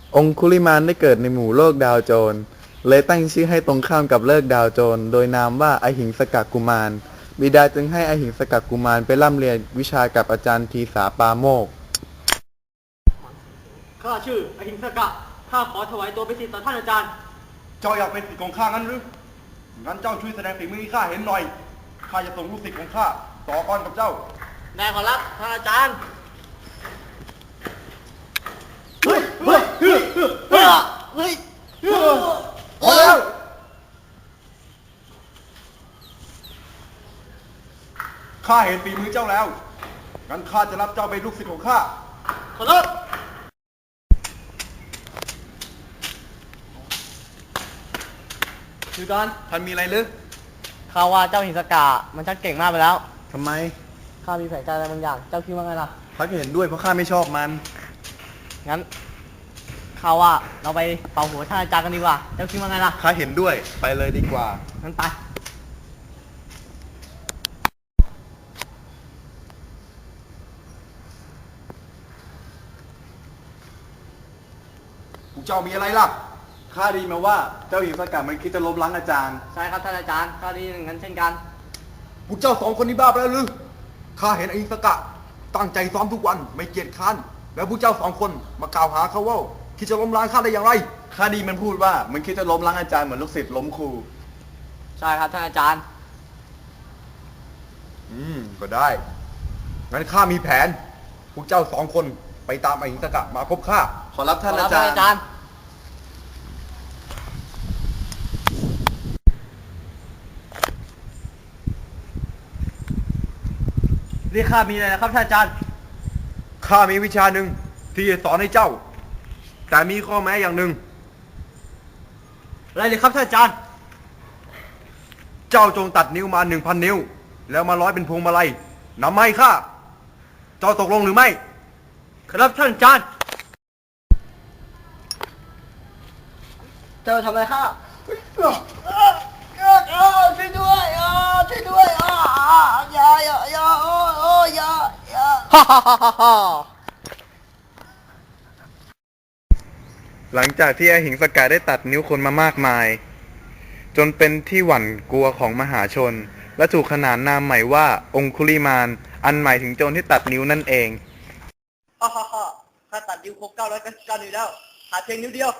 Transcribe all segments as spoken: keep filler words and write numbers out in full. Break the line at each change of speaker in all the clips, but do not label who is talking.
องคุลิมานได้เกิดในหมู่โลกดาวโจรเลยตั้งชื่อให้ตรงข้ามกับเลิกดาวโจรโดยนามว่าอหิงสกกุมารบิดาจึงให้อหิงสกกุมารไปร่ำเรียนวิชากับอาจารย์ทีสาปาโมกข์
ข้าชื่ออหิงสกะข้าขอถวายตัวเป็นศิษย์ต่อท่านอาจารย์
เจ้าอยากเป็นศิษย์ของข้างั้นหรืองั้นเจ้าช่วยแสดงฝีมือให้ข้าเห็นหน่อยข้าจะส่งลูกศิษย์ของข้าต่อกรกับเจ้า
ได้ขอรับท่านอาจารย์
เฮ้ยเฮ้ยเฮ้ยเฮ้ยเฮ้ยพอแล้วข้าเห็นฝีมือเจ้าแล้วงั้นข้าจะรับเจ้าเป็นลูกศิษย์ของข้า
ขอรับคือก่อน
ท่านมีอะไรหรือ
ข้าว่าเจ้าหิงสกะมันชักเก่งมากไปแล้ว
ทำไม
ข้ามีแผนการอะไรบางอย่างเจ้าคิดว่าไงล่ะ
พักเห็นด้วยเพราะข้าไม่ชอบมัน
งั้นข้าว่าเราไปเป่าหัวท่านอาจารย์กันดีกว่าเจ้าคิดว่าไงล่ะ
ข้าเห็นด้วยไปเลยดีกว่า
งั้นไป
พวกเจ้ามีอะไรล่ะ
ข้าดีมาว่าเจ้าหญิงสกัดมันคิดจะล้มล้างอาจารย์
ใช่ครับท่านอาจารย์ข้าดีอย่างนั้นเช่นกัน
พวกเจ้าสองคนนี้บ้าไปแล้วหรือข้าเห็นอหิงสกะตั้งใจซ้อมทุกวันไม่เกียจคร้านแล้วพวกเจ้าสองคนมากล่าวหาเขาว่าคิดจะล้มล้างข้าได้อย่างไร
ข้าดีมันพูดว่ามันคิดจะล้มล้างอาจารย์เหมือนลูกศิษย์ล้มครู
ใช่ครับท่านอาจารย์
อืมก็ได้งั้นข้ามีแผนพวกเจ้าสองคนไปตามอหิงสกะมาพบข้า
ขอรับท่านอาจารย์
เรียกข้ามีอะไรนะครับท่านอาจารย์
ข้ามีวิชาหนึ่งที่จะสอนให้เจ้าแต่มีข้อแม้อย่างหนึ่ง
อะไรเลยครับท่านอาจารย์
เจ้าจงตัดนิ้วมาหนึ่งพันนิ้วแล้วมาร้อยเป็นพวงมาลัยนำมาให้ข้าเจ้าตกลงหรือไม่
ครับท่านอาจารย์เจ้าทำอะไรข้าช่วยด้วยช่วยด้วยอย่าอย่าอย่าโอ้โอ้อย่าอย่าฮ่าฮ่าฮ่าฮ่า
หลังจากที่อหิงสกะได้ตัดนิ้วคนมามากมายจนเป็นที่หวั่นกลัวของมหาชนและถูกขนานนามใหม่ว่าองคุลิมานอันหมายถึงโจรที่ตัดนิ้วนั่นเอง
ฮ่าฮ่าฮ่าข้าตัดนิ้วครบเก้าร้อยเก้าสิบเก้านิ้วแล้วหาเพียงนิ้วเดียว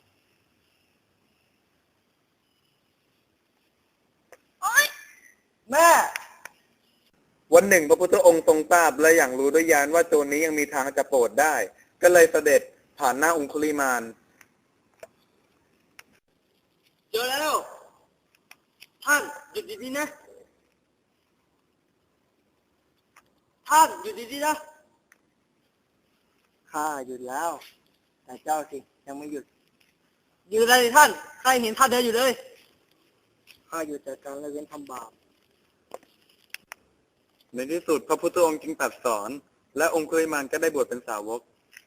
แม่
วันหนึ่งพระพุทธองค์ทรงทราบและอย่างรู้ด้วยญาณว่าโจรนี้ยังมีทางจะโปรดได้ก็เลยเสด็จผ่านหน้าองคุลิมาน
เจอแล้วท่านหยุดดีๆนะท่านหยุดดีๆนะข้าหยุดแล้วแต่เจ้าสิยังไม่หยุดหยุดอะไรท่านข้าเห็นท่านเดินอยู่เลยข้าหยุดจากการละเว้นทำบาป
ในที่สุดพระพุทธองค์จึงตรัสสอนและองคุลิมานก็ได้บวชเป็นสาวก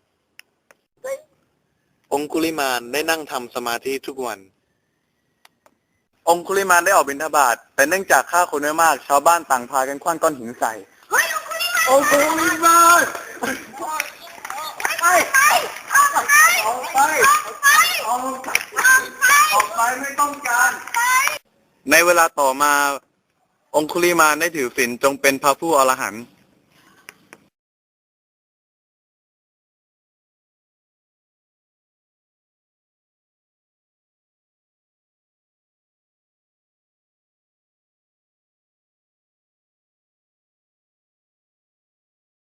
องคุลิมานได้นั่งทำสมาธิทุกวันองคุลิมานได้ออกบิณฑบาตแต่เนื่องจากฆ่าคนไม่มากชาวบ้านต่างพากันขว้างก้อนหินใส่
องคุลิมาน
ไปออกไปออกไปออกไป
ออกไปไม่ต้องการ
ในเวลาต่อมาองคุลิมานได้ถือศีลจงเป็นพระผู้อรหันต์